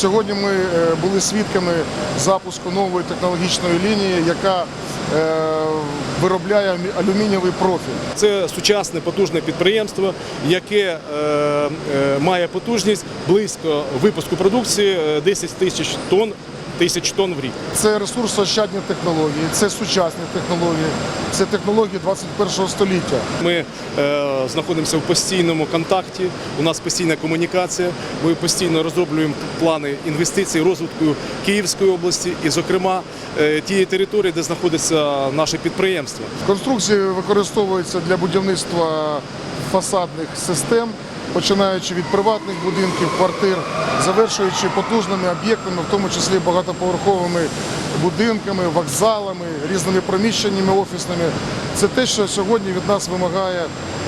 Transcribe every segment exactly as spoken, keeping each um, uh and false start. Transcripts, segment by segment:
Сьогодні ми були свідками запуску нової технологічної лінії, яка виробляє алюмінієвий профіль. Це сучасне потужне підприємство, яке е, е, має потужність близько випуску продукції десять тисяч тонн, тисяч тонн в рік. Це ресурсоощадні технології, це сучасні технології, це технології двадцять першого століття. Ми е, знаходимося в постійному контакті, у нас постійна комунікація, ми постійно розроблюємо плани інвестицій, розвитку Київської області і, зокрема, е, тієї території, де знаходиться наше підприємство. Конструкції використовуються для будівництва фасадних систем, починаючи від приватних будинків, квартир, завершуючи потужними об'єктами, в тому числі багатоповерховими будинками, вокзалами, різними приміщеннями офісними. Це те, що сьогодні від нас вимагає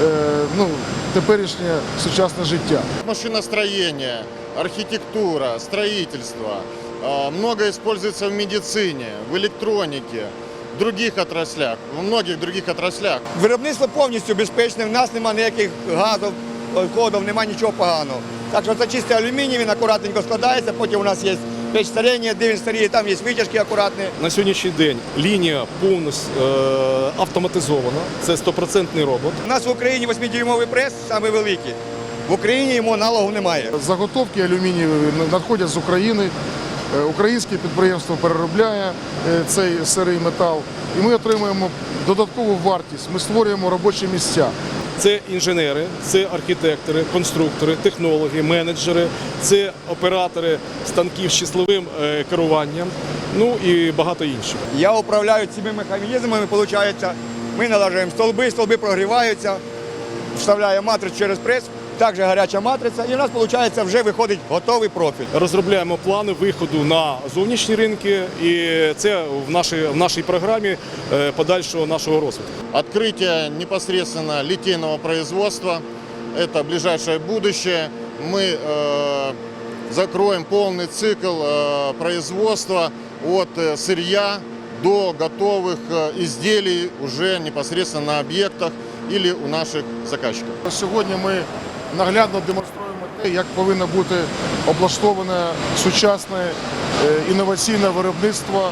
ну, теперішнє сучасне життя. Машиностроение, архитектура, строительство. Много используется в медицине, в электронике, в других отраслях, в многих других отраслях. Виробництво повністю безпечне, в нас немає ніяких газів, входів, немає нічого поганого. Так що це чистий алюміній, він акуратненько складається, потім у нас є печ старіння, де він старіє, там є витяжки акуратні. На сьогоднішній день лінія повністю е, автоматизована, це стопроцентний робот. У нас в Україні восьмидюймовий прес, самий великий. В Україні йому аналогу немає. Заготовки алюмінієві надходять з України. Українське підприємство переробляє цей сирий метал, і ми отримуємо додаткову вартість, ми створюємо робочі місця. Це інженери, це архітектори, конструктори, технологи, менеджери, це оператори станків з числовим керуванням, ну і багато інших. Я управляю цими механізмами, виходить, ми налажуємо столби, столби прогріваються, вставляємо матрицю через прес, також гаряча матриця, і у нас, виходить, вже виходить готовий профіль. Розробляємо плани виходу на зовнішні ринки, і це в нашій, в нашій програмі подальшого нашого розвитку. Открытие непосредственно литейного производства – это ближайшее будущее. Мы э, закроем полный цикл э, производства от сырья до готовых изделий уже непосредственно на объектах или у наших заказчиков. Сьогодні ми наглядно демонструємо те, як повинно бути облаштоване сучасне інноваційне виробництво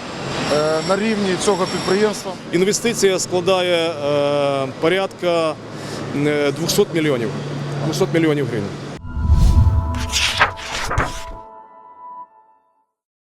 на рівні цього підприємства. Інвестиція складає е, порядка двохсот мільйонів, двохсот мільйонів гривень.